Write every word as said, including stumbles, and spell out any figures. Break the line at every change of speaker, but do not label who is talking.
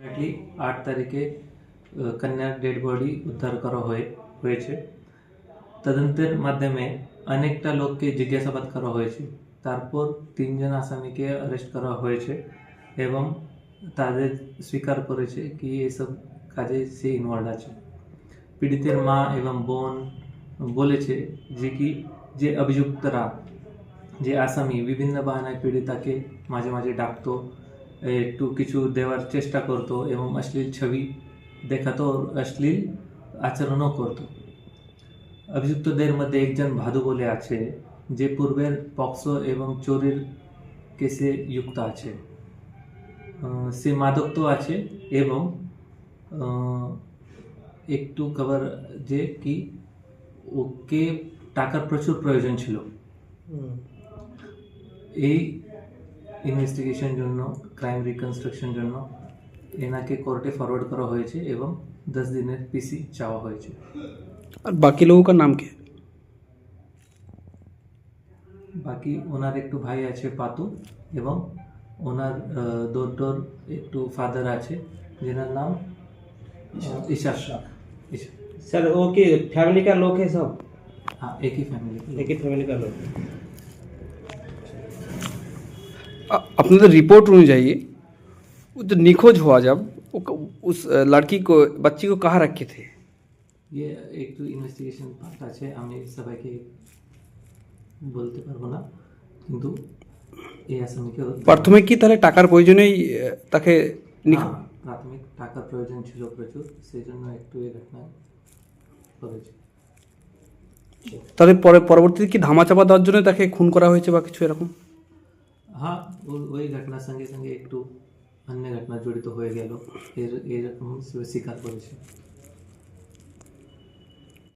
আট তারিখে কন্যার ডেড বডি উদ্ধার করা হয়ে হয়েছে। তদন্তের মাধ্যমে অনেকটা লোককে জিজ্ঞাসাবাদ করা হয়েছে। তারপর তিনজন আসামিকে অ্যারেস্ট করা হয়েছে এবং তাদের স্বীকার করেছে কি এসব কাজে সে ইনভলভ আছে। পীড়িতের মা এবং বোন বলেছে যে কি যে অভিযুক্তরা যে আসামি বিভিন্ন বাহানায় পীড়িতাকে মাঝে মাঝে ডাকতো, একটু কিছু দেওয়ার চেষ্টা করতো এবং অশ্লীল ছবি দেখাতো, অশ্লীল আচরণও করতো। অভিযুক্তদের মধ্যে একজন ভাদু বলে আছে যে পূর্বের পক্সো এবং চোরের কেসে যুক্ত আছে। সে মাদক্ত আছে এবং একটু খবর যে কি ওকে টাকার প্রচুর প্রয়োজন ছিল। এই ইনভেস্টিগেশন জন্য ক্রাইম রিকনস্ট্রাকশন জন্য এনাকে কোর্টে ফরওয়ার্ড করা হয়েছে এবং দশ দিনের পিসি চাওয়া হয়েছে।
আর বাকি লোगों का नाम क्या?
বাকি ওনার একটু ভাই আছে পাতু এবং ওনার দুটোর একটু ফাদার আছে যেনার নাম ईशा।
सर वो की फैमिली का लोग है सब?
हाँ, एक ही फैमिली
एक ही फैमिली का लोग।
আপনাদের रिपोर्ट অনুযায়ী वो जो निखोज हुआ जब वो उस लड़की को बच्ची को कहाँ रखे थे?
ये एक तो इन्वेस्टिगेशन पार्ट আছে, আমি সবাইকে বলতে পারবো না, কিন্তু এই আসামিকে
প্রাথমিক কি তাহলে টাকার প্রয়োজনেই তাকে
প্রাথমিক টাকার প্রয়োজন ছিল প্রচুর, সেই জন্য একটু এই ঘটনা করেছে।
তাহলে পরে পরবর্তীতে কি ধামাচাপা দেওয়ার জন্য তাকে খুন করা হয়েছে বা কিছু এরকম?
হ্যাঁ, ওই ঘটনার সঙ্গে সঙ্গে একটু অন্য ঘটনা জড়িত হয়ে গেল, এর এরকম স্বীকার করেছে।